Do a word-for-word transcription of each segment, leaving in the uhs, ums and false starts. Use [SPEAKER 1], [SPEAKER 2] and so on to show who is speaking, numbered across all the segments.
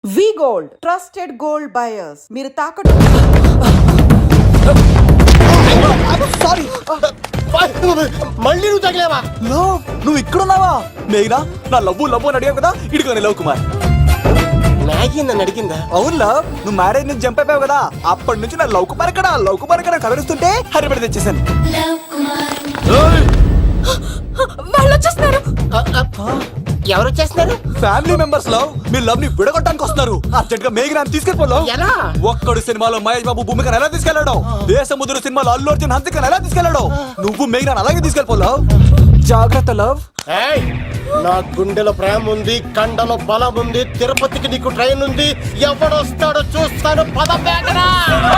[SPEAKER 1] వి gold trusted gold buyers. మీరు తాకట్టు
[SPEAKER 2] sorry
[SPEAKER 3] మళ్ళీ నువ్వు తగిలేవా?
[SPEAKER 2] లవ్ నువ్వు ఇక్కడున్నావా? మేఘనా నా లవ్వు లవ్వు అని అడిగావు కదా, ఇడుకోని లవ్ కుమార్.
[SPEAKER 3] మ్యాగీ నన్ను అడిగిందా?
[SPEAKER 2] అవును లవ్, నువ్వు మ్యారేజ్ నుంచి జంప్ అయిపోయావు కదా, అప్పటి నుంచి నా లవ్ కుమార్ ఎక్కడ లవ్ కుమార్ ఎక్కడ కలరిస్తుంటే హరిపడి తెచ్చేసాను.
[SPEAKER 1] వాళ్ళు వచ్చేస్తున్నారు.
[SPEAKER 3] ఎవరు వచ్చేస్తున్నారు?
[SPEAKER 2] Family members love me love ని విడగొట్టడానికి వస్తున్నారు. అర్జెంట్ గా మేఘనాన్ని తీసుకెళ్ళిపోలో.
[SPEAKER 3] ఎలా?
[SPEAKER 2] ఒక్కడు సినిమాలో మహేష్ బాబు భూమికను ఎలా తీసుకెళ్లాడు, దేశముద్రు సినిమాలో అల్లు అర్జున్ హంసికను ఎలా తీసుకెళ్లాడు, నువ్వు మేఘనాన్ని అలాగే తీసుకెళ్ళిపోలావు. జాగ్రత్త లవ్.
[SPEAKER 3] ఏయ్, నా గుండెలో ప్రేమ ఉంది, కండలో బలం ఉంది, తిరుపతికి నీకు ట్రైన్ ఉంది, ఎవడొస్తాడో చూస్తాను. పద మేఘనా.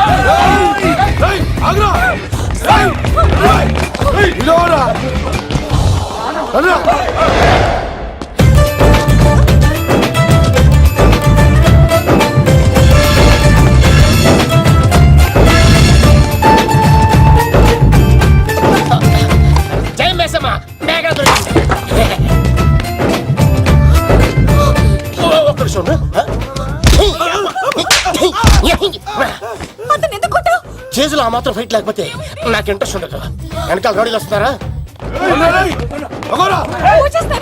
[SPEAKER 3] జై మేసమ్మ, మేఘనా దొరికింది. ఒక్క నిమిషం ఉండు.
[SPEAKER 1] అతను ఎందుకు కొట్టావు?
[SPEAKER 3] చేతులు ఆ మాత్రం ఫైట్ లేకపోతే నాకు ఇంట్రెస్ట్ ఉండదు. వెనకాల గాడీలు వస్తారా?
[SPEAKER 1] వచ్చేస్తారు.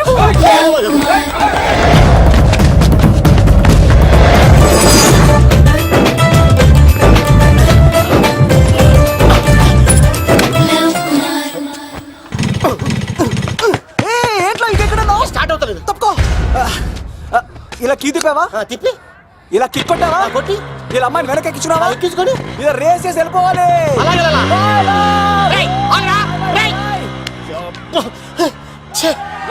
[SPEAKER 3] స్టార్ట్ అవుతలేదు.
[SPEAKER 2] తప్పుకో. ఇలా కీ తిప్పావా?
[SPEAKER 3] ఆ, తిప్పి
[SPEAKER 2] ఇలా కిక్ కొట్టావా?
[SPEAKER 3] ఆ, కొట్టి
[SPEAKER 2] ఇలా అమ్మాయిని వెనక ఎక్కించున్నావా?
[SPEAKER 3] ఎక్కించుకొని
[SPEAKER 2] ఇలా రేస్ చేసి వెళ్ళిపోవాలి.
[SPEAKER 3] అలాగే అలా. రేయ్, ఆగ్రా, రేయ్. ఛే.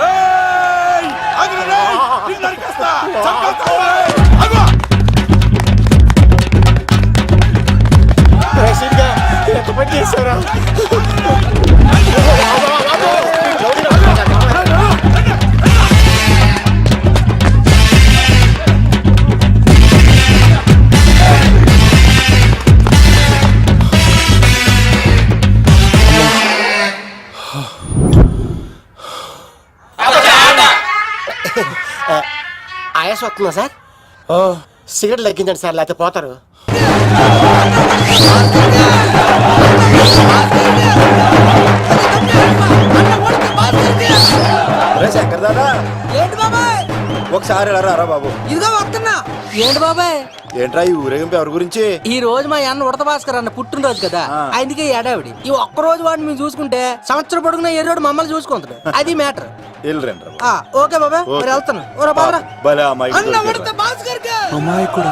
[SPEAKER 3] రేయ్, సీట్గా ఎంత పని చేశారా? ఆయాస వస్తుందా సార్? సిగరెట్ లెక్కించండి సార్, లేకపోతే పోతారు.
[SPEAKER 4] శంకర్ దాదా
[SPEAKER 5] ఏంటి బాబాయ్?
[SPEAKER 4] ఒకసారి రా రా బాబు.
[SPEAKER 5] ఇదిగో వస్తున్నా. ఏంటి బాబాయ్?
[SPEAKER 4] ఏంట్రా ఈ ఊరేగింపు ఎవరి గురించి?
[SPEAKER 5] ఈ రోజు మా అన్న ఉడత భాస్కర్ అన్న పుట్టినరోజు కదా, అందుకే ఏడావిడి. ఈ ఒక్క రోజు వాడిని మేము చూసుకుంటే సంవత్సరం పొడుగున ఏ రోడ్డు మమ్మల్ని చూసుకుంటాడు. అది మ్యాటర్. ఓకే బాబాయ్, మరి వెళ్తాను. ఓరా బాబరా. అన్న ఉడత భాస్కర్ కే,
[SPEAKER 2] అమ్మాయి కూడా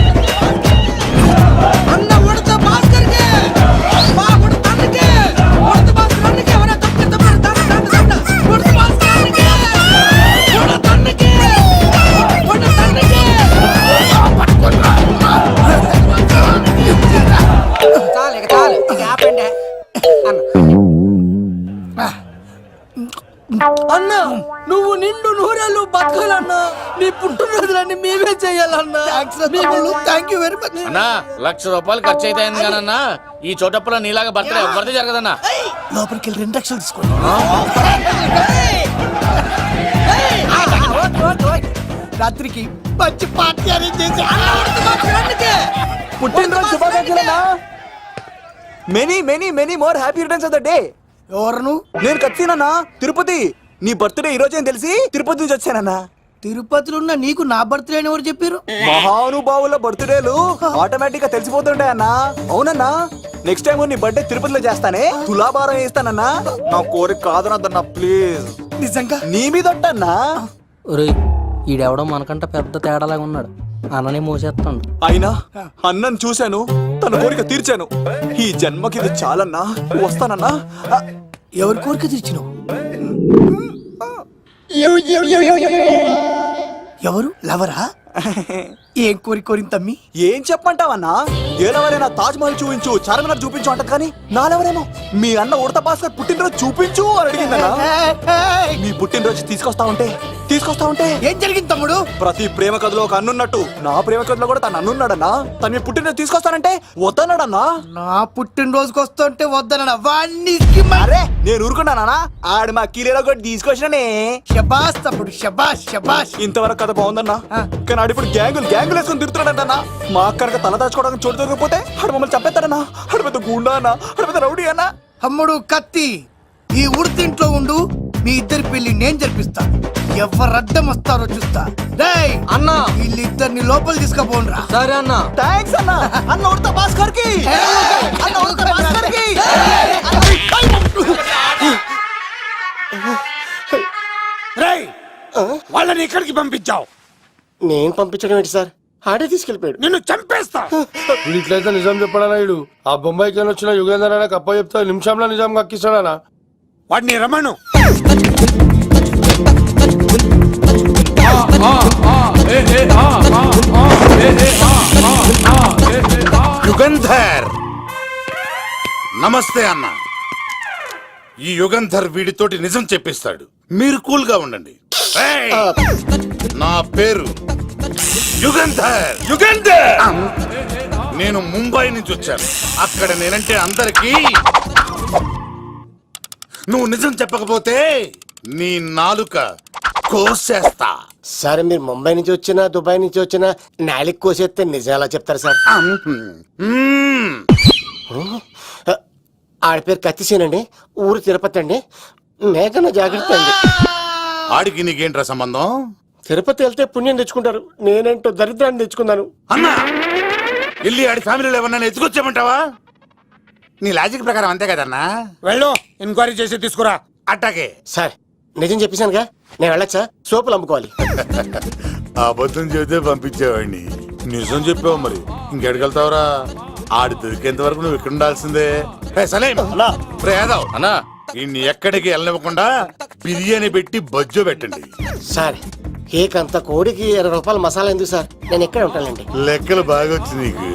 [SPEAKER 5] అన్న ఉడత భాస్కర్ కే, మా ఉడత అన్నకే, ఉడత భాస్కర్ అన్నకే, ఒరే తప్పక తప్పక దండ దండ దండ. ఉడత భాస్కర్ అన్నకే, ఉడత అన్నకే, ఉడత అన్నకే. చాలు ఇక చాలు, ఇక ఆపండి అన్న. అన్న నువ్వు నిండు నూరేళ్ళు బతకాలన్నా, నీ పుట్టినరోజులన్నీ మేమే చెయ్యాలన్నా. థ్యాంక్ యూ వెరీ మచ్
[SPEAKER 6] అన్నా. లక్ష రూపాయలు ఖర్చు అయితే కదన్నా, ఈ చోటప్పులో నీలాగా బర్త్డే ఎవరిది జరగదన్నా.
[SPEAKER 3] లోపలికి వెళ్ళి రెండు లక్షలు తీసుకోండి.
[SPEAKER 5] రాత్రికి మంచి పార్టీ అరేంజ్ చేసి
[SPEAKER 2] పుట్టినరోజు శుభాకాంక్షలన్నా. Many many many more happy returns of the day.
[SPEAKER 5] ఎవరు?
[SPEAKER 2] నేను కత్తినన్నా, తిరుపతి. నీ బర్త్డే ఈ రోజే తెలిసి తిరుపతి నుంచి వచ్చానన్నా.
[SPEAKER 5] తిరుపతిలో ఉన్న నీకు నా బర్త్డే అని ఎవరు చెప్పారు?
[SPEAKER 2] మహానుభావుల బర్త్డేలు ఆటోమేటిక్ గా తెలిసిపోతుంటాయన్నా. అవునన్నా, నెక్స్ట్ టైం నీ బర్త్డే తిరుపతిలో చేస్తానే, తులాభారం వేస్తానన్నా. నా కోరిక కాదనద్దన్నా ప్లీజ్.
[SPEAKER 5] నిజంగా
[SPEAKER 2] నీ మీద ఒట్టన్నా.
[SPEAKER 5] ఒరేయ్, ఈడెవడో మనకంట పెద్ద తేడాలాగా ఉన్నాడు. అన్ననే మోసేస్తాడు.
[SPEAKER 2] అయినా అన్నను చూశాను, తన కోరిక తీర్చాను. ఈ జన్మకి ఇది చాలన్నా, వస్తానన్నా.
[SPEAKER 5] ఎవరి కోరిక తీర్చినావు? ఎవరు? లవరా? ఏం కోరి కోరింది తమ్మి?
[SPEAKER 2] ఏం చెప్పంటావన్నా? ఏలవరైనా తాజ్ మహల్ చూపించు, చార్మినార్ చూపించు అంట, కానీ నాలెవరేమో మీ అన్న ఉడత భాస్కర్ పుట్టినరోజు చూపించు అని అడిగిందన్నా. మీ పుట్టినరోజు తీసుకొస్తా ఉంటే తీసుకొస్తా ఉంటే
[SPEAKER 5] ఏం జరిగింది తమ్ముడు?
[SPEAKER 2] ప్రతి ప్రేమ కథలో ఒక అన్నున్నట్టు నా ప్రేమ కథలో కూడా తను అన్నున్నాడన్నా. తను మీ పుట్టినరోజు తీసుకొస్తానంటే వద్దన్నాడన్నా.
[SPEAKER 5] నా పుట్టినరోజుకి వస్తుంటే వద్దనడా? వాణ్ణి
[SPEAKER 2] అరే నేను ఊరుకున్నానా? ఆడు మా కీలేలో కూడా తీసుకొచ్చిననే.
[SPEAKER 5] శబాష్ తమ్ముడు, శబాష్ శబాష్.
[SPEAKER 2] ఇంతవరకు కథ బాగుందన్నా, కానీ ఆడిప్పుడు గ్యాంగులు గ్యాంగ్ బ్యాంకులు వేసుకొని తిరుగుతున్నాడన్నా. మా అక్కడికి తల దాచుకోవడానికి చోటు దొరికిపోతే ఆడు మమ్మల్ని చంపేస్తాడన్నా. ఆడు పెద్ద గుండా అన్న, ఆడు పెద్ద రౌడీ అన్న.
[SPEAKER 7] అమ్ముడు కత్తి ఈ ఉడితింట్లో ఉండు, మీ ఇద్దరి పెళ్లి నేను జరిపిస్తా. ఎవరడ్డం వస్తారో చూస్తా. డేయ్
[SPEAKER 5] అన్నా
[SPEAKER 7] వీళ్ళిద్దరిని లోపల తీసుకుపోండ్రా.
[SPEAKER 5] సరే అన్నా.
[SPEAKER 2] థ్యాంక్స్ అన్న. అన్న ఉడత భాస్కర్ కి, అన్న ఉడత భాస్కర్ కి.
[SPEAKER 8] రేయ్ వాళ్ళని ఎక్కడికి పంపించావు?
[SPEAKER 3] నేను పంపించడం ఏంటి సార్, ఆడే తీసుకెళ్ళిపోయాడు.
[SPEAKER 8] నిన్ను చంపేస్తా.
[SPEAKER 9] ఇట్లయితే నిజం చెప్పడానా ఇడు? ఆ బొంబాయికి వచ్చిన యుగేందర్ అనే కప్ప చెప్తా నిమిషంలో నిజం కక్కిస్తాడా?
[SPEAKER 8] వాడిని రమణు.
[SPEAKER 10] యుగంధర్ నమస్తే అన్న. ఈ యుగంధర్ వీడితోటి నిజం చెప్పిస్తాడు, మీరు కూల్ గా ఉండండి. ఏయ్! నా పేరు యుగంధర్. యుగంధర్ నేను ముంబై నుంచి వచ్చాను. అక్కడ నేనంటే అందరికీ. నువ్వు నిజం చెప్పకపోతే నీ నాలుక కోసేస్తా.
[SPEAKER 3] సార్ మీరు ముంబై నుంచి వచ్చినా దుబాయ్ నుంచి వచ్చినా నాలిక్ కోసేస్తే నిజాలా చెప్తారు సార్?
[SPEAKER 10] మ్మ్.
[SPEAKER 3] ఆడ పేరు కత్తిసేనండి, ఊరు తిరుపతి అండి. మేఘన జాగ్రత్త అండి.
[SPEAKER 10] ఆడికి నీకేంట్రా సంబంధం?
[SPEAKER 3] తిరుపతి వెళ్తే పుణ్యం తెచ్చుకుంటారు, నేనేంటో దరిద్రాన్ని తెచ్చుకున్నాను.
[SPEAKER 10] అన్నా వెళ్ళి ఆడి ఫ్యామిలీలో ఎవరన్నా ఎత్తుకొచ్చామంటావా? నీ లాజిక్ ప్రకారం అంతే కదన్నా.
[SPEAKER 8] వెళ్ళు, ఎంక్వైరీ చేసి తీసుకురా.
[SPEAKER 10] అట్టాకే.
[SPEAKER 3] సార్ నిజం చెప్పేశానుగా, నేను వెళ్ళచ్చా? సోపులు అమ్ముకోవాలి.
[SPEAKER 10] అబద్ధం చెబితే పంపించేవాడిని, నిజం చెప్పావు మరి ఇంకెడగలుగుతావురా? ఆడి దొరికేంత వరకు నువ్వు ఇక్కడ ఉండాల్సిందే. ఏ సలేం రే యాదవ్
[SPEAKER 6] అన్నా
[SPEAKER 10] ఇన్ని ఎక్కడికి వెళ్ళనివ్వకుండా బిర్యానీ పెట్టి బజ్జో పెట్టండి.
[SPEAKER 3] సార్ కేక్ అంత కోడికి ఇరవై రూపాయల మసాలా ఎందుకు సార్, నేను ఎక్కడ ఉంటానండి.
[SPEAKER 10] లెక్కలు బాగా వచ్చి నీకు.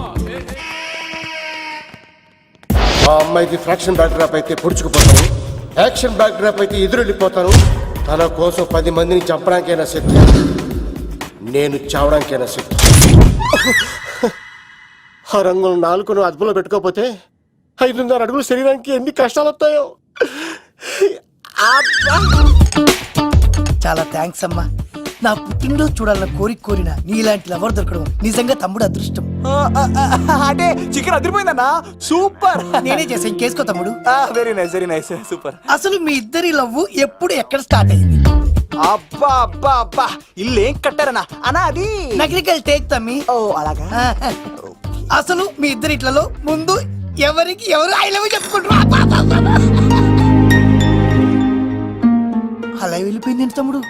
[SPEAKER 3] మా అమ్మాయికి ఫ్రాక్షన్ బ్యాక్ డ్రాప్ అయితే పొడుచుకుపోతాను, యాక్షన్ బ్యాక్ డ్రాప్ అయితే ఎదురెళ్ళిపోతాను. తన కోసం పది మందిని చంపడానికైనా సిద్ధం, నేను చావడానికైనా సిద్ధం. ఆ రంగులు నాలుగును అదుపులో పెట్టుకోకపోతే ఐదున్నర అడుగులు శరీరానికి ఎన్ని కష్టాలు వస్తాయో.
[SPEAKER 7] చాలా థ్యాంక్స్ అమ్మా. నా పుట్టినరోజు చూడాలన్న కోరిక కోరిన నీలాంటి లవర్ దొరకడం నిజంగా తమ్ముడు అదృష్టం.
[SPEAKER 2] అంటే చికెన్ అదిరిపోయిందన్నా, సూపర్.
[SPEAKER 7] నేనే చేసా, ఇంకేసుకో తమ్ముడు.
[SPEAKER 2] Very nice very nice super.
[SPEAKER 7] అసలు మీ ఇద్దరి లవ్ ఎప్పుడు ఎక్కడ స్టార్ట్ అయింది?
[SPEAKER 2] అబ్బా అబ్బా అబ్బా ఇల్లు ఏం కట్టారన్నా అన్నా? అది
[SPEAKER 7] నగరికల్ టేక్ తమ్మి.
[SPEAKER 2] ఓ అలాగా.
[SPEAKER 7] అసలు మీ ఇద్దరి ఇట్లలో ముందు ఎవరికి ఎవరు ఐ లవ్ చెప్పుకుంటారు? అలా వెళ్ళిపోయింది ఏంటి తమ్ముడు?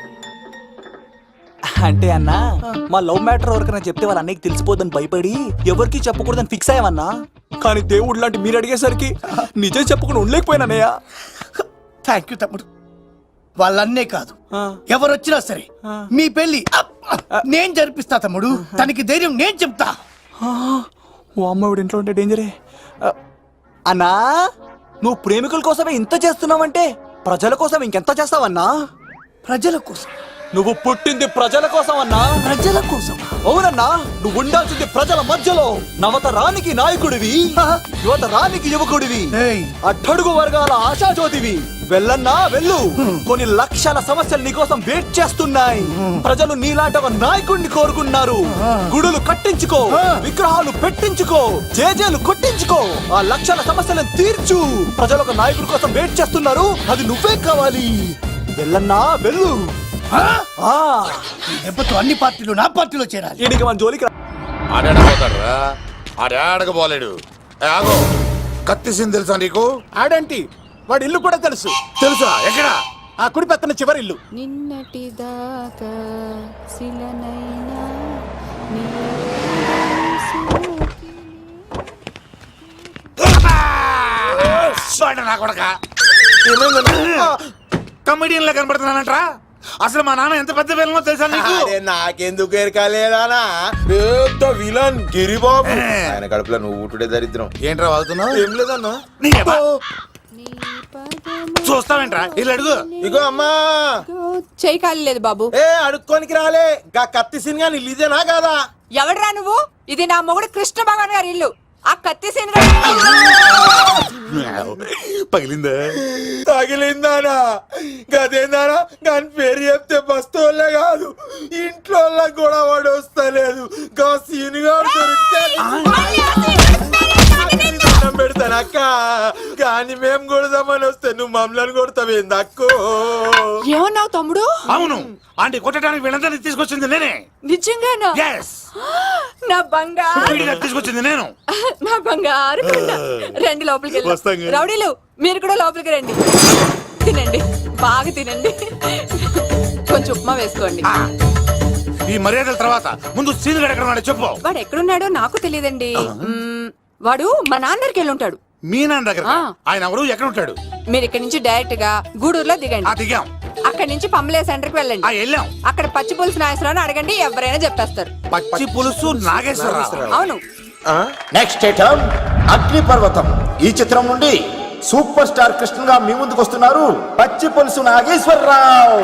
[SPEAKER 2] అంటే అన్నా మా లవ్ మ్యాటర్ ఎవరికైనా చెప్తే వాళ్ళ అన్నయ్యకి తెలిసిపోద్దని భయపడి ఎవరికి చెప్పకూడదని ఫిక్స్ అయ్యామన్నా. కానీ దేవుడు లాంటి మీరు అడిగేసరికి నిజం చెప్పకుండా ఉండలేకపోయినానయ్య.
[SPEAKER 7] థ్యాంక్ యూ తమ్ముడు. వాళ్ళన్నే కాదు, ఎవరొచ్చినా సరే మీ పెళ్లి అప్, నేను జరిపిస్తా తమ్ముడు. తనకి ధైర్యం నేను చెప్తా.
[SPEAKER 2] ఓ అమ్మాయి ఇంట్లో ఉంటే డేంజరే. అన్నా నువ్వు ప్రేమికుల కోసమే ఇంత చేస్తున్నావంటే ప్రజల కోసం ఇంకెంత చేస్తావన్నా?
[SPEAKER 7] ప్రజల కోసం.
[SPEAKER 2] నువ్వు పుట్టింది ప్రజల కోసం అన్నా.
[SPEAKER 7] ప్రజల కోసం?
[SPEAKER 2] అవునన్నా, నువ్వు ఉండాల్సింది ప్రజల మధ్యలో. నవతరానికి నాయకుడివి, యువతరానికి యువకుడివి,
[SPEAKER 7] ఏయ్.
[SPEAKER 2] అట్టడుగు వర్గాల ఆశాజ్యోతివి. వెళ్ళన్నా వెళ్ళు, కొన్ని లక్షల సమస్యలు నీకోసం వెయిట్ చేస్తున్నాయి. ప్రజలు నీలాంటి ఒక నాయకుడిని కోరుకున్నారు. గుడులు కట్టించుకో, విగ్రహాలు పెట్టించుకో, జేజేలు కొట్టించుకో, ఆ లక్షల సమస్యలను తీర్చు. ప్రజలు ఒక నాయకుడి కోసం వెయిట్ చేస్తున్నారు, అది నువ్వే కావాలి. వెళ్ళన్నా వెళ్ళు.
[SPEAKER 7] దెబ్బతో అన్ని పార్టీలు నా పార్టీలో చేరాలి.
[SPEAKER 2] ఈయనకి మన జోలికి రా.
[SPEAKER 10] ఆడాడపోతాడురా, ఆడాడకపోలేడు. ఆగో, కత్తిసింది తెలుసా నీకు?
[SPEAKER 3] ఆడంటి వాడి ఇల్లు కూడా తెలుసు.
[SPEAKER 10] తెలుసా? ఎక్కడా?
[SPEAKER 3] ఆ కుడి పక్కన చివరి ఇల్లు.
[SPEAKER 1] నిన్నటి దాకా శిలనైనా
[SPEAKER 10] నా కొడక కమెడియన్ లా కనబడుతున్నానంట్రా. అసలు మా నాన్న ఎంత పెద్ద విలనో తెలుసా నీకు?
[SPEAKER 4] నాకెందుకు ఎరకాలేదానా? పెద్ద విలన్ గిరిబాబు. ఆయన కడుపులో నువ్వు ఊటుడే దరిద్రం.
[SPEAKER 10] ఏంట్రా వాగుతున్నావు?
[SPEAKER 4] ఏం లేదన్నా.
[SPEAKER 10] చూస్తావేంట్రా? ఇల్లు అడుగు.
[SPEAKER 4] ఇగో అమ్మా,
[SPEAKER 1] చేయి ఖాళీ లేదు బాబు.
[SPEAKER 4] ఏ అడుక్కోనికి రాలే. గా కత్తి సినిమా ఇల్లు ఇదేనా కాదా?
[SPEAKER 1] ఎవడరా నువ్వు? ఇది నా మొగుడు కృష్ణ భగవాన్ గారి ఇల్లు. ఆ కత్తి సీన్
[SPEAKER 10] పగిలిందా?
[SPEAKER 4] తగిలిందానా గదేందానా దాని పేరు చెప్తే బస్తోళ్ళే కాదు ఇంట్లో కూడా వాడు వస్తలేదు గా సీనుగా దొరికితే దండం పెడతాను అక్క కానీ మేము కొడదామని వస్తే నువ్వు మమ్మల్ని కొడతావేంది అక్కో
[SPEAKER 1] ఏమన్నావు తమ్ముడు?
[SPEAKER 8] అవును ఆంటీ కొట్టడానికి వీళ్ళందరినీ తీసుకొచ్చింది నేనే.
[SPEAKER 1] నిజంగానా?
[SPEAKER 8] Yes.
[SPEAKER 1] నా బంగారు
[SPEAKER 8] వీడిగా తీసుకొచ్చింది నేను.
[SPEAKER 1] నా బంగారు కొండ. రండి లోపలికి
[SPEAKER 10] వస్తాం
[SPEAKER 1] వెళ్దాం.
[SPEAKER 10] కదా.
[SPEAKER 1] రౌడీలు మీరు కూడా లోపలికి రండి. తినండి బాగా తినండి. కొంచెం ఉప్మా వేసుకోండి.
[SPEAKER 8] ఆ, ఈ మర్యాదల తర్వాత ముందు సీన్ ఎక్కడ ఉన్నాడో చెప్పు.
[SPEAKER 1] వాడు ఎక్కడున్నాడో నాకు తెలియదండి. మ్మ్, వాడు మా నాన్నరికి వెళ్ళి ఉంటాడు.
[SPEAKER 8] మీ నాన్న దగ్గర
[SPEAKER 1] ఆ.
[SPEAKER 8] ఆయన ఎవరు ఎక్కడ ఉంటాడు?
[SPEAKER 1] మీరు ఇక్కడ నుంచి డైరెక్ట్ గా గూడూరులో
[SPEAKER 8] ఆ
[SPEAKER 1] దిగండి.
[SPEAKER 8] దిగాం,
[SPEAKER 1] అక్కడ నుంచి పంబలే సెంటర్ కి
[SPEAKER 8] ఆ
[SPEAKER 1] వెళ్ళండి.
[SPEAKER 8] వెళ్ళాం.
[SPEAKER 1] అక్కడ పచ్చి పులుసు నాయసరావు అడగండి, ఎవరైనా చెప్పేస్తారు.
[SPEAKER 8] పచ్చి పులుసు నాగేశ్వరరావు.
[SPEAKER 1] అవును.
[SPEAKER 3] నెక్స్ట్ ఐటమ్ అగ్ని పర్వతం. ఈ చిత్రం నుండి సూపర్ స్టార్ కృష్ణగా మీ ముందుకు వస్తున్నారు పచ్చి పులుసు నాగేశ్వరరావు.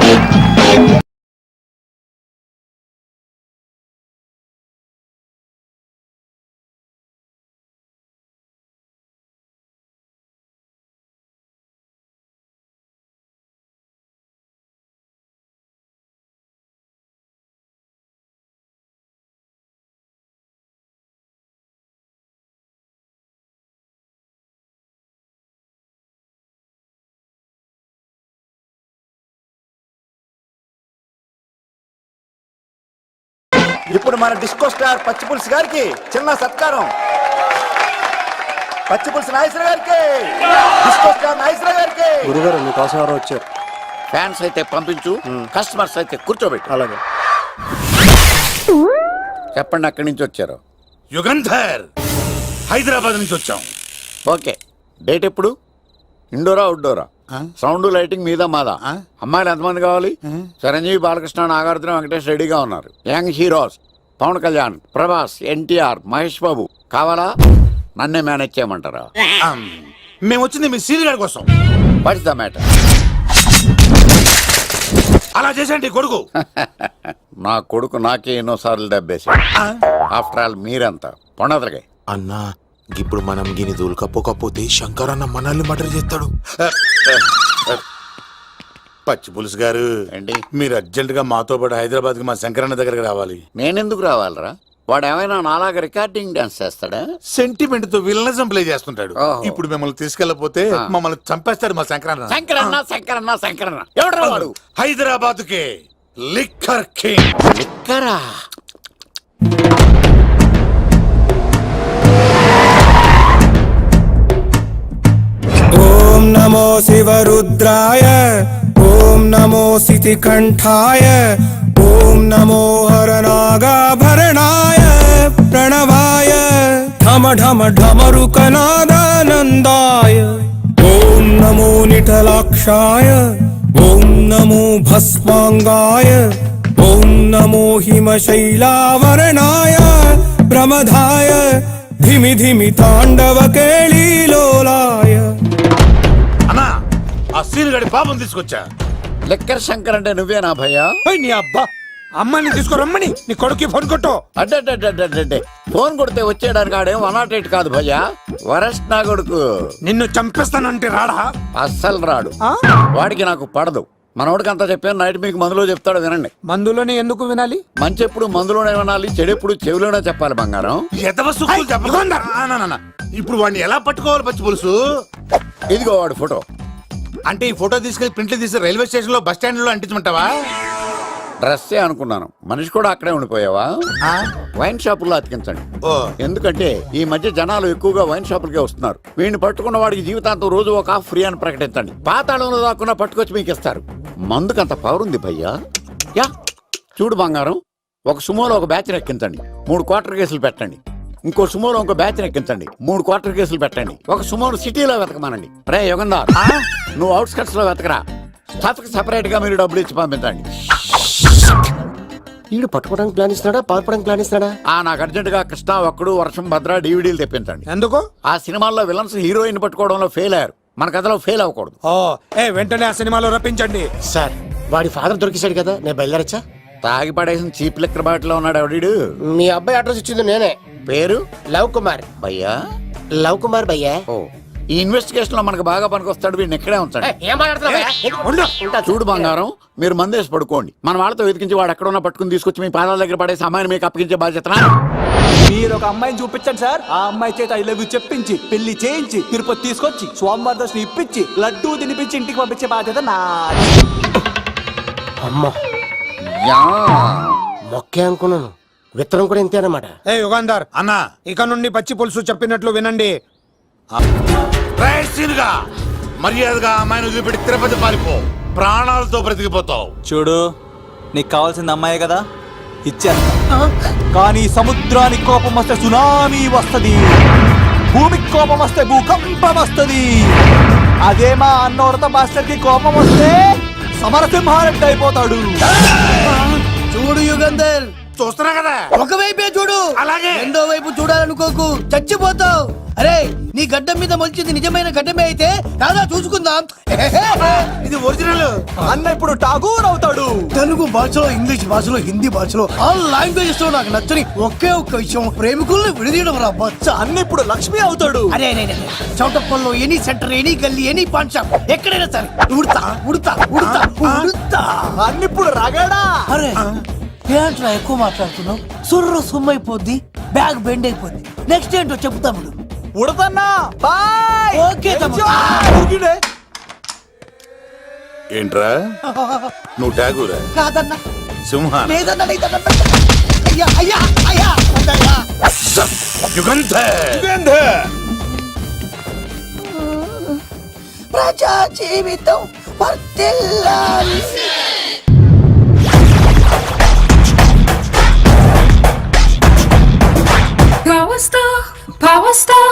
[SPEAKER 3] ఇప్పుడు మన డిస్కో స్టార్ పచ్చి పులుసు గారికి చిన్న సత్కారం. పచ్చి పులుసు నాగేశ్వర గారికి, డిస్కో స్టార్ నాగేశ్వర గారికి.
[SPEAKER 9] గురుగారు మీకోసం ఎవరో వచ్చారు.
[SPEAKER 6] ఫ్యాన్స్ అయితే పంపించు, కస్టమర్స్ అయితే కూర్చోబెట్టు.
[SPEAKER 9] అలాగే.
[SPEAKER 6] చెప్పండి అక్కడి నుంచి వచ్చారు.
[SPEAKER 8] యుగంధర్ హైదరాబాద్ నుంచి వచ్చాం.
[SPEAKER 6] ఓకే, డేట్ ఎప్పుడు? ఇండోరా అవుట్డోరా? సౌండ్ లైటింగ్ మీద మాదా? అమ్మాయిలు ఎంతమంది కావాలి? చిరంజీవి, బాలకృష్ణ, నాగార్జున, వెంకటేష్ రెడీగా ఉన్నారు. Young heroes Pawan Kalyan, Prabhas, NTR, Mahesh Babu కావాలా? నన్నే మేనేజ్ చేయమంటారా?
[SPEAKER 8] మేము వచ్చింది మీ సీన్ గారి కోసం.
[SPEAKER 6] What's the matter?
[SPEAKER 8] అలా చేసేంటి కొడుకు?
[SPEAKER 6] నా కొడుకు నాకే ఎన్నోసార్లు దెబ్బేసి. ఆఫ్టర్ ఆల్ మీరంతా పొండదలకే.
[SPEAKER 4] అన్నా ఇప్పుడు మనం గిని దూలకపోకపోతే శంకర్ అన్న మనల్ని మర్డర్ చేస్తాడు.
[SPEAKER 10] పచ్చి పులుసు గారు
[SPEAKER 6] ఏంటి?
[SPEAKER 10] మీరు అర్జెంట్ గా మాతో పాటు హైదరాబాద్ కి మా శంకరన్న దగ్గరకు రావాలి.
[SPEAKER 6] నేనెందుకు రావాలరా? వాడు ఏమైనా నాలాగా రికార్డింగ్ డాన్స్ చేస్తాడా?
[SPEAKER 10] సెంటిమెంట్ తో విలనిజం ప్లే చేస్తుంటాడు.
[SPEAKER 6] ఓహో.
[SPEAKER 10] ఇప్పుడు మిమ్మల్ని తీసుకెళ్లపోతే మమ్మల్ని చంపేస్తాడు మా శంకరన్న.
[SPEAKER 6] శంకరన్న శంకరన్న శంకరన్న ఎవడరా వాడు?
[SPEAKER 10] హైదరాబాద్ కే లిక్కర్ కింగ్.
[SPEAKER 6] లిక్కరా?
[SPEAKER 11] ఓం నమో శివరుద్రాయ, ఓం నమో సితికంఠాయ, ఓం నమో హరనాగాభరణాయ ప్రణవాయ ఢమ ఢమ ఢమరుకనాదానందాయ. ఓం నమో నిఠలాక్షాయ, ఓం నమో భస్మాంగాయ, ఓం నమో హిమశైలావరణాయ ప్రమదాయ ధిమి ధిమి తాండవ కేళీలోలాయ.
[SPEAKER 8] అన్నా ఆ సీన్ గడి పాపం తీసుకొచ్చా.
[SPEAKER 6] లిక్కర్ శంకర్ అంటే నువ్వేనా భయ్యా?
[SPEAKER 8] ఏయ్, నీ అబ్బా అమ్మాయిని తీసుకురమ్మని నీ కొడుకు ఫోన్ కొట్టు.
[SPEAKER 6] అడ్డే ఫోన్ కొడితే వచ్చేయడానికి ఆడేం వన్ నాట్ ఎయిట్ కాదు భయ్యా, వరస్ట్ నా కొడుకు.
[SPEAKER 8] నిన్ను చంపేస్తానంటే రాడా?
[SPEAKER 6] అస్సలు రాడు. వాడికి నాకు పడదు. మనోడికి అంతా చెప్పాను, నైట్ మీకు మందులో చెప్తాడు వినండి.
[SPEAKER 11] మందులోనే ఎందుకు వినాలి?
[SPEAKER 6] మంచి ఎప్పుడు మందులోనే వినాలి, చెడు ఎప్పుడు చెవిలోనే చెప్పాలి బంగారం.
[SPEAKER 10] ఎదవ సుక్కులు చెప్పకుండా. ఆ, నా, నా, నా. ఇప్పుడు వాడిని ఎలా పట్టుకోవాలి పచ్చి పులుసు?
[SPEAKER 6] ఇదిగో వాడు ఫోటో.
[SPEAKER 10] అంటే ఈ ఫోటో తీసుకెళ్లి ప్రింట్లు తీసి రైల్వే స్టేషన్ లో బస్ స్టాండ్ లో అంటించమంటావా?
[SPEAKER 6] డ్రెస్సే అనుకున్నాను, మనిషి కూడా అక్కడే ఉండిపోయావా? వైన్ షాపుల్లో అతికించండి.
[SPEAKER 10] ఓ.
[SPEAKER 6] ఎందుకంటే ఈ మధ్య జనాలు ఎక్కువగా వైన్ షాపులకే వస్తున్నారు. వీడిని పట్టుకున్న వాడికి జీవితాంతం రోజు ఒక ఆఫ్ ఫ్రీ అని ప్రకటించండి. పాతాళంలో దాక్కున్నా పట్టుకొచ్చి మీకు ఇస్తారు. మందుకంత పవర్ ఉంది భయ్యా. యా చూడు బంగారం, ఒక సుమోలో ఒక బ్యాచ్ ఎక్కించండి, మూడు క్వార్టర్ కేసులు పెట్టండి. ఇంకో సుమోలో ఇంకో బ్యాచ్ ఎక్కించండి, మూడు క్వార్టర్ కేసులు పెట్టండి. ఒక సుమోను సిటీలో వెతకమానండి. రే యుగంధర్, నువ్వు అవుట్స్కట్స్ లో వెతకరా. స్టాఫ్ కి సెపరేట్ గా మీరు డబ్బులు ఇచ్చి పంపించండి.
[SPEAKER 3] వీడు పట్టుకోవడానికి ప్లాన్ ఇస్తున్నాడా, పాల్పడానికి ప్లాన్ ఇస్తున్నాడా?
[SPEAKER 6] ఆ నాకు అర్జెంట్ గా కృష్ణ, ఒక్కడు, వర్షం, భద్ర డీవీడీలు తెప్పించండి.
[SPEAKER 11] ఎందుకు?
[SPEAKER 6] ఆ సినిమాల్లో విలన్స్ హీరోయిన్ పట్టుకోవడంలో ఫెయిల్ అయ్యారు, మన కథలో ఫెయిల్ అవ్వకూడదు.
[SPEAKER 11] ఓ ఏ వెంటనే ఆ సినిమాలో రప్పించండి.
[SPEAKER 3] సార్ వాడి ఫాదర్ దొరికేశాడు కదా, నేను బయలుదేరచ్చా?
[SPEAKER 6] తాగి పడేసిన చీప్ లెక్కర్ బాటిలో ఉన్నాడు ఎవడీడు?
[SPEAKER 3] మీ అబ్బాయి అడ్రస్ ఇచ్చింది నేనే.
[SPEAKER 6] పేరు
[SPEAKER 3] లవ్ కుమార్
[SPEAKER 6] భయ్యా.
[SPEAKER 3] లవ్ కుమార్ భయ్యా.
[SPEAKER 6] ఓ, ఈ ఇన్వెస్టిగేషన్ లో మనకు బాగా పనికొస్తాడు. వీడిని ఎక్కడే ఉంచాడు.
[SPEAKER 3] ఏం మాట్లాడుతున్నావు?
[SPEAKER 6] చూడు బంగారం, మీరు మందేసి పడుకోండి. మన వాళ్ళతో వెతికించి వాడు ఎక్కడ ఉన్నా పట్టుకుని తీసుకొచ్చి మీ పాదాల దగ్గర పడేసి అమ్మాయిని మీకు అప్పగించే బాధ్యత నాది.
[SPEAKER 2] మీరు ఒక అమ్మాయిని చూపించండి సార్. ఆ అమ్మాయి చేత ఐ లవ్ యూ చెప్పించి పెళ్లి చేయించి తిరుపతి తీసుకొచ్చి స్వామివారి దర్శనం ఇప్పించి లడ్డూ తినిపించి ఇంటికి పంపించే బాధ్యత నాది.
[SPEAKER 3] అమ్మా
[SPEAKER 6] యా.
[SPEAKER 3] మొక్కే అనుకున్నాను, విత్తనం కూడా ఇంతే అన్నమాట.
[SPEAKER 11] ఏ యుగాంధర్
[SPEAKER 10] అన్నా
[SPEAKER 11] ఇక నుండి పచ్చి పులుసు చెప్పినట్లు వినండి.
[SPEAKER 10] రేయ్ సీనుగా, మర్యాదగా అమ్మాయిని వదిలిపెట్టి తిరుపతి పారిపో. ప్రాణాలతో బ్రతికిపోతావు.
[SPEAKER 2] చూడు, నీకు కావాల్సింది అమ్మాయే కదా, ఇచ్చేస్తా. కానీ సముద్రానికి కోపం వస్తే సునామీ వస్తది, భూమికి కోపం వస్తే భూకంపం వస్తది. అదే మా అన్నోరత మాస్టర్ కి కోపం వస్తే సమరసింహారెడ్డి అయిపోతాడు.
[SPEAKER 7] చూడు యుగంధర్,
[SPEAKER 10] చూస్తున్నా కదా.
[SPEAKER 7] ఒకవైపే చూడు,
[SPEAKER 10] అలాగే.
[SPEAKER 7] రెండో వైపు చూడాలనుకోకు, చచ్చిపోతావు. అరే, నీ గడ్డం మీద మొలిచింది నిజమైన గడ్డమే అయితే కాదా చూసుకుందాం.
[SPEAKER 2] ఇది ఒరిజినల్. అన్న ఇప్పుడు ఠాగూర్ అవుతాడు.
[SPEAKER 7] తెలుగు భాషలో, ఇంగ్లీష్ భాషలో, హిందీ భాషలో ఆల్ లాంగ్వేజెస్ లో నాకు నచ్చని ఒకే ఒక్క విషయం, ప్రేమికుల్ని విడదీయడం రా బచ్చ.
[SPEAKER 2] అన్న ఇప్పుడు లక్ష్మి అవుతాడు.
[SPEAKER 7] అరే అరే అరే, చౌటప్పల్లో ఎనీ సెంటర్, ఎనీ గల్లీ, ఎనీ పాన్ షాప్, ఎక్కడైనా సరే ఉడతా ఉడతా ఉడతా ఉడతా.
[SPEAKER 2] అన్న ఇప్పుడు రగడా.
[SPEAKER 7] అరే ఏంట్రా ఎక్కువ మాట్లాడుతున్నావు? సుర్రు సుమ్మైపోద్ది, బ్యాగ్ బెండ్ అయిపోద్ది. నెక్స్ట్ ఏంటో చెప్తాము.
[SPEAKER 2] ఉడతన్నా బాయ్.
[SPEAKER 7] ఓకే తమ్ముడు.
[SPEAKER 2] ఊగిడే.
[SPEAKER 10] ఏంట్రా నువ్వు ఠాగూరా?
[SPEAKER 7] కాదన్నా,
[SPEAKER 10] సింహ
[SPEAKER 7] లేదన్నా, లేదన్నా. అయ్యా అయ్యా అయ్యా వద్దయ్యా.
[SPEAKER 10] యుగంధర్.
[SPEAKER 7] ప్రజా జీవితం వర్ధిల్లాలి.
[SPEAKER 1] Power star, power star,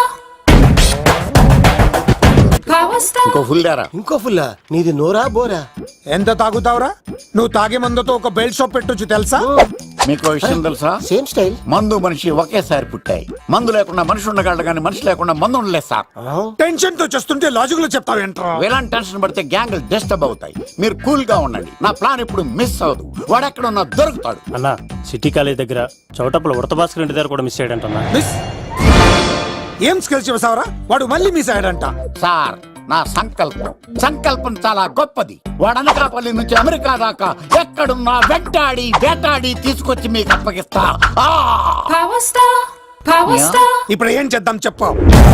[SPEAKER 1] power star.
[SPEAKER 6] ఇంకో ఫుల్ దారా.
[SPEAKER 3] ఇంకో ఫుల్లా? నీది నోరా బోరా?
[SPEAKER 11] ఎంత తాగుతావురా? నువ్వు తాగే మందుతో ఒక బెల్ట్ షాప్ పెట్టొచ్చు తెలుసా?
[SPEAKER 6] మీకు ఓ విషయం తెలుసా?
[SPEAKER 3] Same style.
[SPEAKER 6] మందు మనిషి ఒకేసారి పుట్టాయి. మందు లేకుండా మనిషి ఉండగలడు కానీ మనిషి లేకుండా మందు ఉండలేదు సార్.
[SPEAKER 11] టెన్షన్ తో చేస్తుంటే లాజిక్ లో చెప్తావేంట్రా?
[SPEAKER 6] ఎలాంటి టెన్షన్ పడితే గ్యాంగ్లు డిస్టర్బ్ అవుతాయి. మీరు కూల్ గా ఉండండి. నా ప్లాన్ ఇప్పుడు మిస్ అవ్వదు. వాడెక్కడ ఉన్నా దొరుకుతాడు.
[SPEAKER 9] అన్న, సిటీ కాలేజ్ దగ్గర చౌటప్పుల ఉడత భాస్కర్ ఇంటి దగ్గర కూడా మిస్ అయ్యాడంటన్నా.
[SPEAKER 11] మిస్ ఏం స్కిల్స్ చేసావరా? వాడు మళ్ళీ మిస్ అయ్యాడంట.
[SPEAKER 6] సార్, నా సంకల్పం సంకల్పం చాలా గొప్పది. వాడు అనకాపల్లి నుంచి అమెరికా దాకా ఎక్కడున్నా వెంటాడి వేటాడి తీసుకొచ్చి మీకు అప్పగిస్తా. ఆ!
[SPEAKER 1] Power star, power
[SPEAKER 6] Yeah.
[SPEAKER 1] star.
[SPEAKER 11] ఇప్పుడు ఏం చేద్దాం చెప్పు.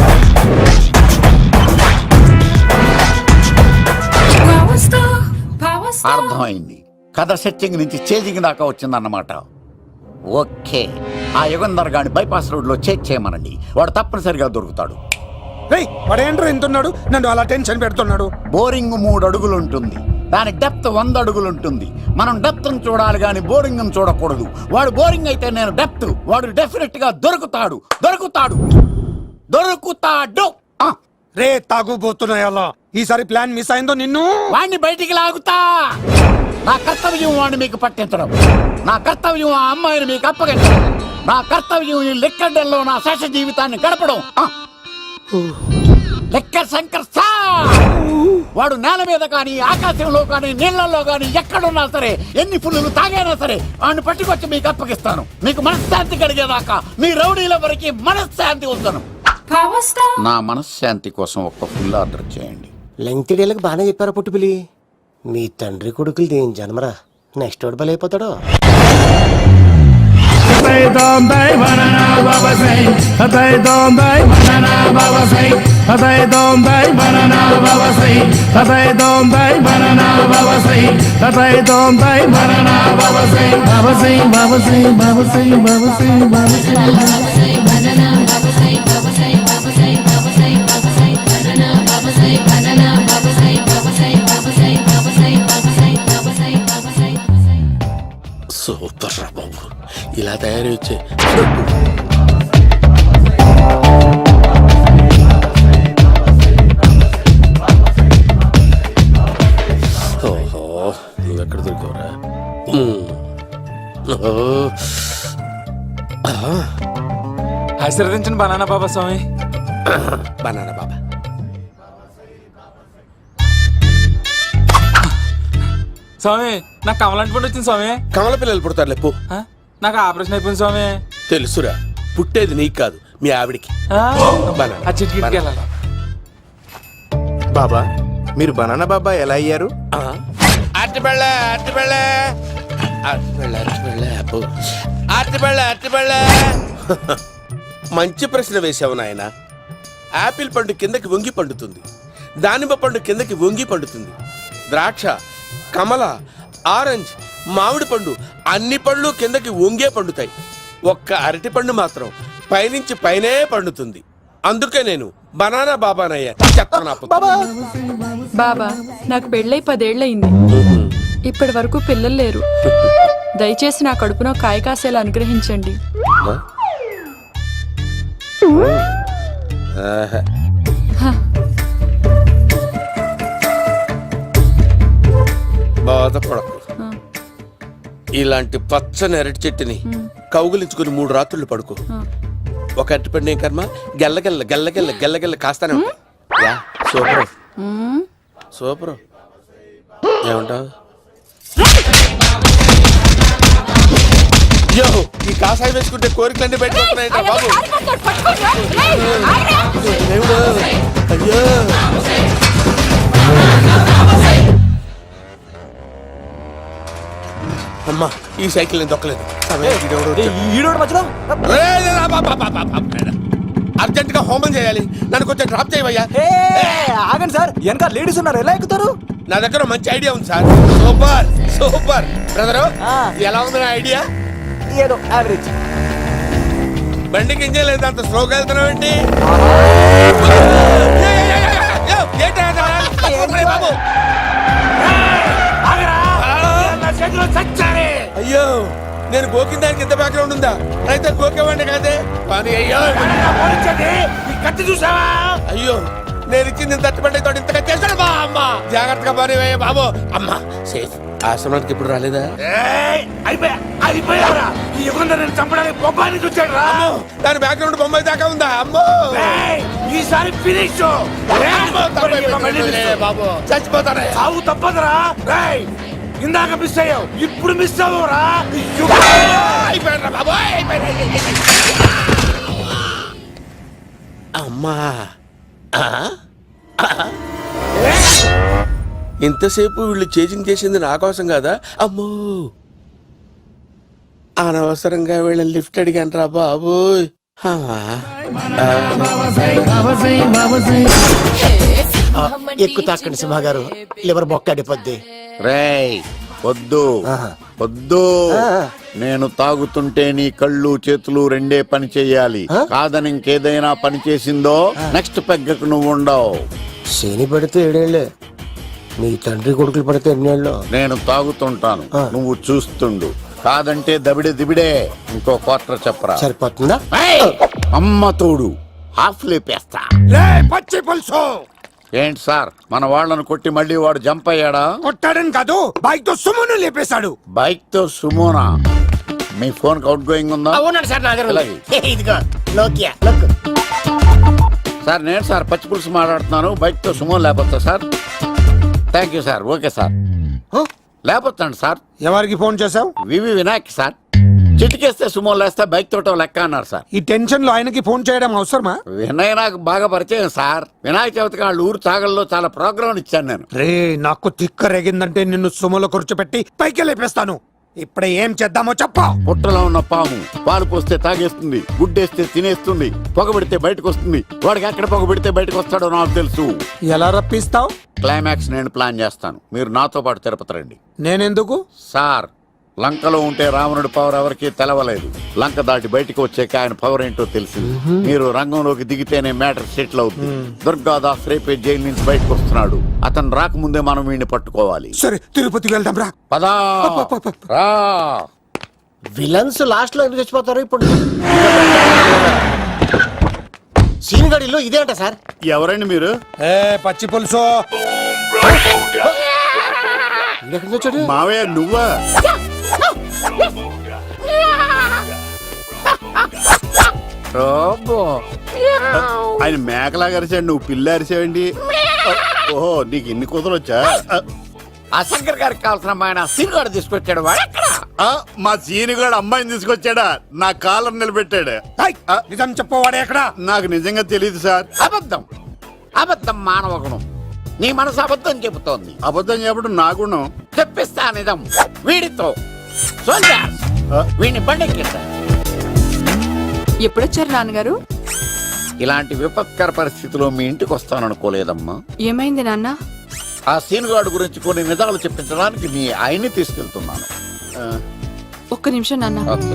[SPEAKER 1] Power star, power star.
[SPEAKER 6] అర్థమైంది. కథ సెట్టింగ్ నుంచి చేజింగ్ దాకా వచ్చిందన్నమాట. ఓకే, ఆ యుగంధర్ గాని బైపాస్ రోడ్ లో చేజ్ చేయమనండి. వాడు తప్పనిసరిగా దొరుకుతాడు.
[SPEAKER 11] రేయ్, వాడు ఏంట్రా ఇంతున్నాడు? నన్ను అలా టెన్షన్ పెడుతున్నాడు.
[SPEAKER 6] బోరింగ్ మూడు అడుగులు ఉంటుంది, దాని డెప్త్ వంద అడుగులు ఉంటుంది. మనం డెప్త్ చూడాలి కానీ బోరింగ్ చూడకూడదు. వాడు బోరింగ్ అయితే నేను డెప్త్. వాడు డెఫినెట్ గా దొరుకుతాడు దొరుకుతాడు దొరుకుతాడు. ఆ,
[SPEAKER 11] రే తాగుబోతున్నాయలా, ఈసారి ప్లాన్ మిస్ అయిందో నిన్ను.
[SPEAKER 6] వాణ్ణి బయటికి లాగుతా. నా కర్తవ్యం వాడిని మీకు పట్టించడం. నా కర్తవ్యం ఆ అమ్మాయిని మీకు అప్పగించడం. నా కర్తవ్యం ఈ లెక్కడల్లో నా శేష జీవితాన్ని గడపడం. ఆ, లెక్క శంకర్ సార్. వాడు నేల మీద కానీ ఆకాశంలో కానీ నీళ్లలో కానీ ఎక్కడున్నా సరే, ఎన్ని ఫుల్లు తాగైనా సరే వాడిని పట్టుకొచ్చి మీకు అప్పగిస్తాను. మీకు మనశ్శాంతి కలిగేదాకా మీ రౌడీల వరకు మనశ్శాంతి ఉంచను.
[SPEAKER 1] Power star.
[SPEAKER 6] నా మనశ్శాంతి కోసం ఒక్క ఫుల్ ఆర్డర్ చేయండి.
[SPEAKER 3] లెంగ్త్ డేలకు బాగానే చెప్పారా పుట్టుపిలి? మీ తండ్రి కొడుకులు దేని జన్మరా, నెక్స్ట్ వాడు బలైపోతాడో. సూపర్ రా బాబు, ఇలా తయారీ వచ్చే. ఓహో, నువ్వెక్కడ దొరికావురా?
[SPEAKER 2] ఆశీర్వదించండి బనానా బాబా స్వామి.
[SPEAKER 3] బనానా బాబా.
[SPEAKER 2] స్వామి, నాకు కమలాంటి పండు వచ్చింది స్వామి.
[SPEAKER 3] కమల పిల్లలు పుడతారు లేపు.
[SPEAKER 2] నాకు ఆపరేషన్ అయిపోయింది స్వామి.
[SPEAKER 3] తెలుసురా,
[SPEAKER 12] పుట్టేది నీకు కాదు మీ ఆవిడికి.
[SPEAKER 4] బాబా మీరు బనానా బాబా ఎలా అయ్యారు?
[SPEAKER 12] అరటిపళ్ళ అరటిపళ్ళ అరటిపళ్ళ అరటిపళ్ళ అబ్బో. అరటిపళ్ళ అరటిపళ్ళ మంచి ప్రశ్న వేసావు నాయన. యాపిల్ పండు కిందకి వంగి పండుతుంది, దానిమ్మ పండు కిందకి వంగి పండుతుంది, ద్రాక్ష, కమల, ఆరెంజ్, మామిడి పండు అన్ని పళ్ళు కిందకి వంగే పండుతాయి. ఒక్క అరటి పండు మాత్రం పైనుంచి పైనే పండుతుంది. అందుకే నేను బనానా బాబానయ్యా. చెప్తాను
[SPEAKER 1] బాబా నాకు పెళ్ళై పదేళ్లయింది. ఇప్పటి వరకు పిల్లలు లేరు. దయచేసి నా కడుపునో కాయ కాసేలా అనుగ్రహించండి.
[SPEAKER 12] బాధపడకు. ఇలాంటి పచ్చని అరటి చెట్టుని కౌగులించుకుని మూడు రాత్రులు పడుకో. ఒక అరటి పండు ఏం కర్మ గెల్లగెల్ల గెల్లగెల్ల గెల్లగెల్ల కాస్తానే ఉంటాయి. Yeah super super. ఏమంటావు? యో ఈ కాసాయి వేసుకుంటే కోరికలన్నీ బయటకొస్తున్నాయంట బాబు. దేవుడు, అయ్యో అమ్మా ఈ సైకిల్ నేను దొక్కలేదు. అర్జెంట్ గా హోమం చేయాలి, నన్ను కొంచెం డ్రాప్ చేయవయ్యా.
[SPEAKER 2] ఆగండి సార్, వెనక లేడీస్ ఉన్నారు, ఎలా ఎక్కుతారు?
[SPEAKER 12] నా దగ్గర మంచి ఐడియా ఉంది సార్. Super super brother. ఎలా ఉంది నా ఐడియా?
[SPEAKER 2] ఏదో యావరేజ్.
[SPEAKER 12] బండికి ఇంజన్ లేదు, అంత స్లోగా వెళ్తున్నావు ఏంటి? బాబు అయ్యో నేను గోకిన దానికి ఎంత బ్యాక్గ్రౌండ్ ఉందా? అయితే గోకేవాడిని కాదే. కానీ అయ్యో కత్తి చూసావా? అయ్యో నేను ఇచ్చింది తట్టుబడి తోటి ఇంతగా చేశాడు బా అమ్మ. జాగ్రత్తగా పని బాబు. అమ్మ సేఫ్. ఆశ్రమానికి ఇప్పుడు రాలేదా? దాని బ్యాక్గ్రౌండ్ బొమ్మాయి దాకా ఉందా? అమ్మో ఈసారి ఫినిష్ బాబు. చచ్చిపోతానే. సాగు తప్పదురా. ఇందాక మిస్ అయ్యావు, ఇప్పుడు మిస్ అవ్వరా? అమ్మా ఇంతసేపు వీళ్ళు చేజింగ్ చేసింది నా కోసం కాదా? అమ్మో అనవసరంగా వీళ్ళని లిఫ్ట్ అడిగాను రా బాబు.
[SPEAKER 3] ఎక్కు తాకండి సింహ గారు, లివర్ బొక్కడిపోద్ది.
[SPEAKER 6] రేయ్ వద్దు వద్దు, నేను తాగుతుంటే నీ కళ్ళు చేతులు రెండే పని చెయ్యాలి. కాదని ఇంకేదైనా పని చేసిందో నెక్స్ట్ పెగ్గకు నువ్వు ఉండవు.
[SPEAKER 3] శని పడితే ఏడేళ్లే, మీ తండ్రి కొడుకులు పడితే ఎన్నేళ్ళు.
[SPEAKER 6] నేను తాగుతుంటాను, నువ్వు చూస్తుండు. కాదంటే దబిడే దిబిడే. ఇంకో క్వార్టర్ చెప్పరా?
[SPEAKER 3] సరిపోతుందా?
[SPEAKER 6] అమ్మ తోడు హాఫ్ లేపేస్తా.
[SPEAKER 11] పచ్చి పులుసు.
[SPEAKER 6] ఏంటి సార్, మన వాళ్ళను కొట్టి మళ్ళీ వాడు జంప్ అయ్యాడా?
[SPEAKER 11] కొట్టాడని కాదు, బైక్ తో సుమ్మును లేపేశాడు.
[SPEAKER 6] బైక్ తో సుమోనా? మీ ఫోన్ అవుట్ గోయింగ్ ఉందా?
[SPEAKER 3] అవునండి సార్, నా దగ్గర
[SPEAKER 6] అలాగే.
[SPEAKER 3] ఇదిగో నోకియా లుక్.
[SPEAKER 6] సార్ నేను సార్ పచ్చి పులుసు మాట్లాడుతున్నాను. బైక్ తో సుమో లేకపోతా sir? Thank you sir. Okay sir, లేకపోతాండి సార్.
[SPEAKER 11] ఎవరికి ఫోన్ చేసావు?
[SPEAKER 6] V V Vinayak sir. చిటికేస్తే సుమో లేస్తే బైక్ తోటో లెక్క అన్నారు సార్.
[SPEAKER 11] ఈ టెన్షన్ లో ఆయనకి ఫోన్ చేయడం అవసరమా?
[SPEAKER 6] వినయ్ నాకు బాగా పరిచయం సార్. వినాయక చవితికి వాళ్ళ ఊరు చాగల్లో చాలా ప్రోగ్రాం ఇచ్చాను నేను.
[SPEAKER 11] రే నాకు తిక్క రేగిందంటే నిన్ను సుమలో కూర్చోపెట్టి పైకి లేపేస్తాను. ఇప్పుడే ఏం చేద్దామో చెప్ప.
[SPEAKER 6] పుట్టలో ఉన్న పాము పాలు పోస్తే తాగేస్తుంది, గుడ్డేస్తే తినేస్తుంది, పొగబెడితే బయటకు వస్తుంది. వాడికి ఎక్కడ పొగబెడితే బయటకు వస్తాడో నాకు తెలుసు.
[SPEAKER 11] ఎలా రప్పిస్తావు?
[SPEAKER 6] క్లైమాక్స్ నేను ప్లాన్ చేస్తాను, మీరు నాతో పాటు తిరుపతి రండి.
[SPEAKER 11] నేనెందుకు?
[SPEAKER 6] సార్ లంకలో ఉంటే రావణుడి పవర్ ఎవరికి తెలవలేదు. లంక దాటి బయటకు వచ్చాక ఆయన పవర్ ఏంటో తెలిసింది. మీరు రంగంలోకి దిగితేనే మ్యాటర్ సెటిల్ అవుతుంది. దుర్గాదాస్ రేపే జైలు నుంచి బయటకు వస్తున్నాడు. అతను రాకముందే మనం వీడిని పట్టుకోవాలి.
[SPEAKER 11] సరే తిరుపతికి వెళ్దాం రా.
[SPEAKER 6] పదా రా.
[SPEAKER 3] విలన్స్ లాస్ట్ లో ఎందుకు చచ్చిపోతారు? ఇప్పుడు సీన్ గడిలో ఇదే అంట సార్.
[SPEAKER 6] ఎవరండి మీరు?
[SPEAKER 11] ఏ పచ్చి పులుసు.
[SPEAKER 6] మావయ్య నువ్వా? ఆయన మేకలాగా అరిచాడు, నువ్వు పిల్ల అరిచావండి. ఓహో నీకు ఇన్ని కుదరొచ్చా? ఆ శంకర్ గారికి కావాల్సిన అమ్మాయి సీన్ గారు తీసుకొచ్చాడు. వాడు ఆ, మా సీనుగాడు అమ్మాయిని తీసుకొచ్చాడా నా కాలర్ నిలబెట్టాడు.
[SPEAKER 11] ఏయ్, నిజం చెప్పవాడే ఎక్కడ?
[SPEAKER 6] నాకు నిజంగా తెలియదు సార్. అబద్ధం అబద్ధం మానవ గుణం. నీ మనసు అబద్ధం చెబుతోంది. అబద్ధం చెప్పడం నా గుణం. తెప్పిస్తా నిజం వీడితో. సోల్జర్స్, వీడిని బండెక్కిస్తా.
[SPEAKER 1] ఎప్పుడొచ్చారు నాన్నగారు?
[SPEAKER 6] ఇలాంటి విపత్కర పరిస్థితిలో మీ ఇంటికి వస్తాననుకోలేదమ్మా.
[SPEAKER 1] ఏమైంది నాన్న?
[SPEAKER 6] ఆ సీనుగాడు గురించి కొన్ని నిజాలు చెప్పించడానికి మీ ఆయన్ని తీసుకెళ్తున్నాను. ఆ,
[SPEAKER 1] ఒక్క నిమిషం నాన్న.
[SPEAKER 6] ఓకే.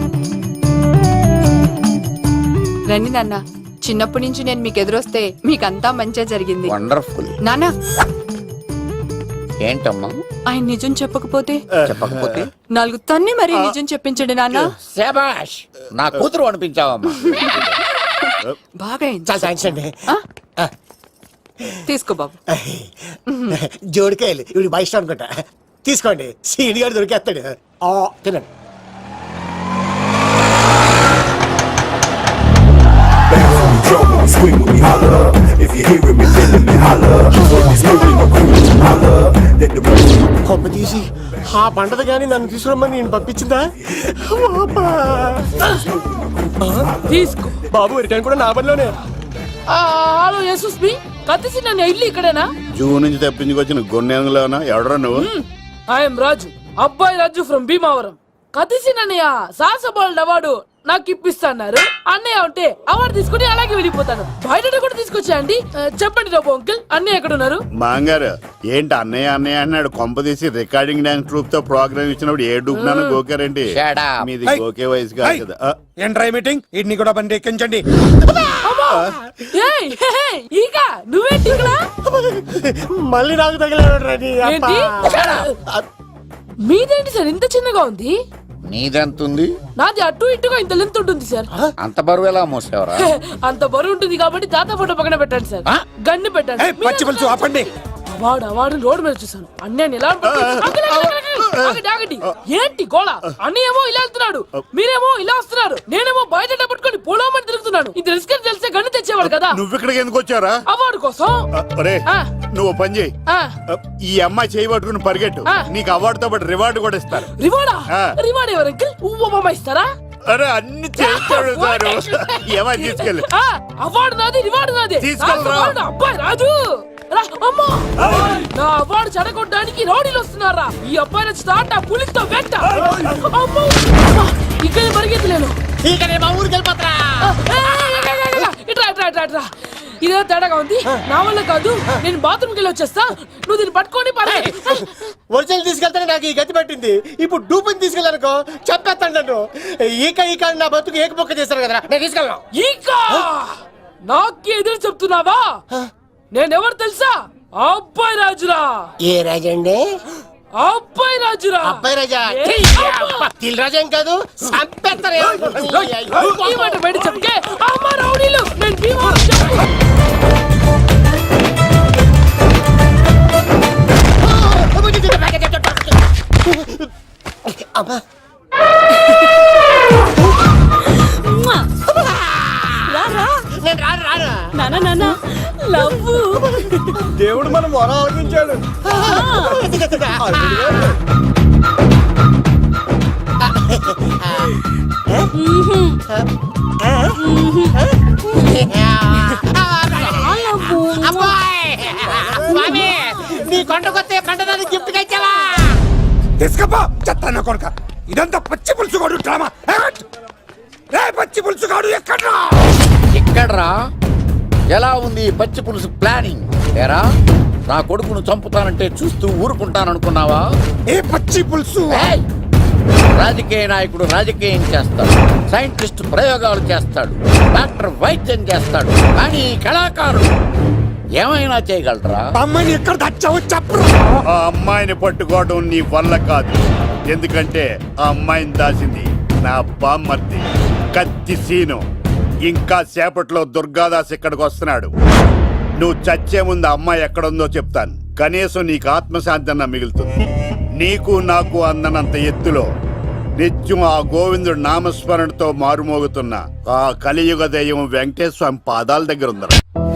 [SPEAKER 1] రండి నాన్న. చిన్నప్పటి నుంచి నేను మీకు ఎదురొస్తే మీకంతా మంచిగా జరిగింది.
[SPEAKER 6] వండర్ఫుల్.
[SPEAKER 1] నాన్న,
[SPEAKER 6] ఏంటమ్మా?
[SPEAKER 1] ఆయన నిజం చెప్పకపోతే
[SPEAKER 6] చెప్పకపోతే
[SPEAKER 1] నాలుగు తన్ని మరీ నిజం చెప్పించండి నాన్న.
[SPEAKER 6] శభాష్, నా కూతురు అనిపించావమ్మా.
[SPEAKER 1] బాగా అయింది.
[SPEAKER 5] చాలా థ్యాంక్స్ అండి.
[SPEAKER 1] ఆ? తీసుకో బాబు.
[SPEAKER 5] జోడికాయలు ఇవి బాగా ఇష్టం అనుకుంటా. తీసుకోండి, సీని గారు దొరికేస్తాడు. ఆ, తినండి. కొమ్మ తీసి ఆ పంటది కానీ నన్ను తీసుకురమ్మని నేను పంపించిందా?
[SPEAKER 1] తీసుకో
[SPEAKER 5] బాబు రిటర్న్ కూడా నా పనిలోనే.
[SPEAKER 1] హలో యేసుస్ మీ కత్తిసి నన్ను ఇల్లు ఇక్కడేనా?
[SPEAKER 6] జూ నుంచి తప్పించుకొచ్చిన గొన్నెంగులోనా? ఎవడరా నువ్వు?
[SPEAKER 1] ఐఎమ్ రాజు, అబ్బాయి రాజు ఫ్రమ్ భీమావరం. కత్తిసి నన్నయ్య సాహసబాలుడు అవార్డు నాకు ఇప్పిస్తాన్నారు. అన్నయ్య ఉంటే అవార్డు తీసుకుని అలాగే వెళ్ళిపోతాను. బయట కూడా తీసుకొచ్చాయండి. చెప్పండి రాబు అంకిల్, అన్నయ్య ఎక్కడ ఉన్నారు?
[SPEAKER 6] మాంగారు ఏంటి అన్నయ్య అన్నయ్య అన్నాడు? కొంప తీసి రికార్డింగ్ డాన్స్ ట్రూప్ తో ప్రోగ్రామ్ ఇచ్చినప్పుడు ఏ డూబ్నాను గోకారండి? మీది గోకే వయసు కాదు కదా. ఆ,
[SPEAKER 11] ఏంట్రా ఈ మీటింగ్? ఇడ్ని కూడా బండి ఎక్కించండి.
[SPEAKER 1] ఏయ్, హే, హే, ఈక నువ్వేంటి ఇక్కడ?
[SPEAKER 5] మళ్ళీ నాకు తగిలాడు.
[SPEAKER 1] ఏంటి? మీదేంటి సార్ ఇంత చిన్నగా ఉంది?
[SPEAKER 6] నీదెంతుంది?
[SPEAKER 1] నాది అటు ఇటుగా ఇంత లెంత్ ఉంటుంది సార్.
[SPEAKER 6] అంత బరువు ఎలా మోసేవరా?
[SPEAKER 1] అంత బరువు ఉంటుంది కాబట్టి తాత ఫోటో పక్కన పెట్టండి సార్. గన్ను పెట్టండి.
[SPEAKER 11] ఏయ్, పచ్చి పులుసు ఆపండి.
[SPEAKER 1] వాడు వాడు రోడ్డు మీద చూసాను. అన్నయ్య ఎలా ఆగండి. ఏంటి గోళ? అన్నయ్య ఏమో ఇలా వెళ్తున్నాడు, మీరేమో ఇలా వస్తున్నారు, నేనేమో బయట పట్టుకొని పొలమని తిరుగుతున్నాను. ఇది రిస్క్ అని తెలిస్తే గన్ను తెచ్చేవాడు కదా.
[SPEAKER 6] నువ్వు ఇక్కడికి ఎందుకు వచ్చారా?
[SPEAKER 1] అవార్డు కోసం.
[SPEAKER 6] ఒరే,
[SPEAKER 1] ఆ.
[SPEAKER 6] నువ్వు పని చేయి.
[SPEAKER 1] ఆ,
[SPEAKER 6] ఈ అమ్మాయి చేయి పట్టుకుని పరిగెట్టు.
[SPEAKER 1] ఆ.
[SPEAKER 6] నీకు అవార్డుతో పాటు రివార్డు కూడా ఇస్తారు.
[SPEAKER 1] రివార్డా?
[SPEAKER 6] ఆ.
[SPEAKER 1] రివార్డ్ ఎవరు అంకిల్? ఉవ్వమ్మ ఇస్తారా?
[SPEAKER 6] అరే అన్ని చేస్తాడు సారు. ఏమని తీసుకెళ్ళి
[SPEAKER 1] ఆ, అవార్డు నాది, రివార్డు నాది.
[SPEAKER 6] తీసుకెళ్ళరా.
[SPEAKER 1] అవార్డు అబ్బాయి రాజు. రా, అమ్మా. నా అవార్డు చెడగొట్టడానికి రౌడీలు వస్తున్నారా? ఈ అబ్బాయి నచ్చి తాట పులితో వెంట. అమ్మో, అమ్మా, ఇక్కడ పరిగెత్తలేను. ఇట్రా ఇట్రా ఇట్రా ఇట్రా. ఇదే తేడాగా ఉంది. నా వల్ల కాదు, నేను బాత్రూమ్కి వెళ్ళి వచ్చేస్తా. నువ్వు దీన్ని పట్టుకొని పరిగెత్తు.
[SPEAKER 5] ఒరిజినల్ తీసుకెళ్తానే నాకు ఈ గతి పట్టింది. ఇప్పుడు డూపుని తీసుకెళ్ళానుకో చెప్పేస్తాను నన్ను. ఈక ఈక అని నా బతుకు ఏకపొక్క చేశారు కదా, నేను తీసుకెళ్ళను.
[SPEAKER 1] ఇంకా నాకే ఎదురు చెప్తున్నావా? నేనెవరు తెలుసా? అబ్బాయి రాజురా.
[SPEAKER 5] ఏ రాజండి?
[SPEAKER 1] అబ్బాయి రాజురా.
[SPEAKER 5] అబ్బాయి రాజా?
[SPEAKER 1] ఏ,
[SPEAKER 5] తిల్ రాజా ఏం కాదు, చంపేస్తారు.
[SPEAKER 1] ఈ మాట బయట చెప్తే అమ్మ రౌడీలు నేను భీమవరం చెప్పు.
[SPEAKER 5] అమ్మా నేను రాను రాను.
[SPEAKER 1] నాన్న నాన్న లవ్వు.
[SPEAKER 5] దేవుడు మనం మొర ఆలోచించాడు. నీ కొండకొస్తే పంటదాన్ని గిఫ్ట్ ఇచ్చావా?
[SPEAKER 11] తీసుకపో చెత్త కొడుక. ఇదంతా పచ్చి పులుసుగాడు డ్రామా. ఏమిటి? రే పచ్చి పులుసుగాడు ఎక్కడ్రా?
[SPEAKER 6] ఎక్కడ్రా? ఎలా ఉంది ఈ పచ్చి పులుసు ప్లానింగ్? ఏరా, నా కొడుకును చంపుతానంటే చూస్తూ ఊరుకుంటాననుకున్నావా?
[SPEAKER 11] ఏ పచ్చి పులుసు?
[SPEAKER 6] ఏయ్! రాజకీయ నాయకుడు రాజకీయం చేస్తాడు, సైంటిస్ట్ ప్రయోగాలు చేస్తాడు, డాక్టర్ వైద్యం చేస్తాడు, కానీ ఈ కళాకారుడు ఏమైనా చేయగలరా?
[SPEAKER 11] అమ్మాయిని ఎక్కడ దాచావో చెప్పు.
[SPEAKER 6] ఆ అమ్మాయిని పట్టుకోవడం నీ వల్ల కాదు. ఎందుకంటే ఆ అమ్మాయిని దాసింది నా బామ్మర్ది కత్తి సీను. ఇంకా సేపట్లో దుర్గాదాస్ ఇక్కడికి వస్తున్నాడు. నువ్వు చచ్చే ముందు అమ్మాయి ఎక్కడుందో చెప్తాను. కనీసం నీకు ఆత్మశాంతి అన్న మిగులుతుంది. నీకు నాకు అందనంత ఎత్తులో నిత్యం ఆ గోవిందుడు నామస్మరణతో మారుమోగుతున్న ఆ కలియుగ దైవం వెంకటేశ్వర స్వామి పాదాల దగ్గర ఉందరా.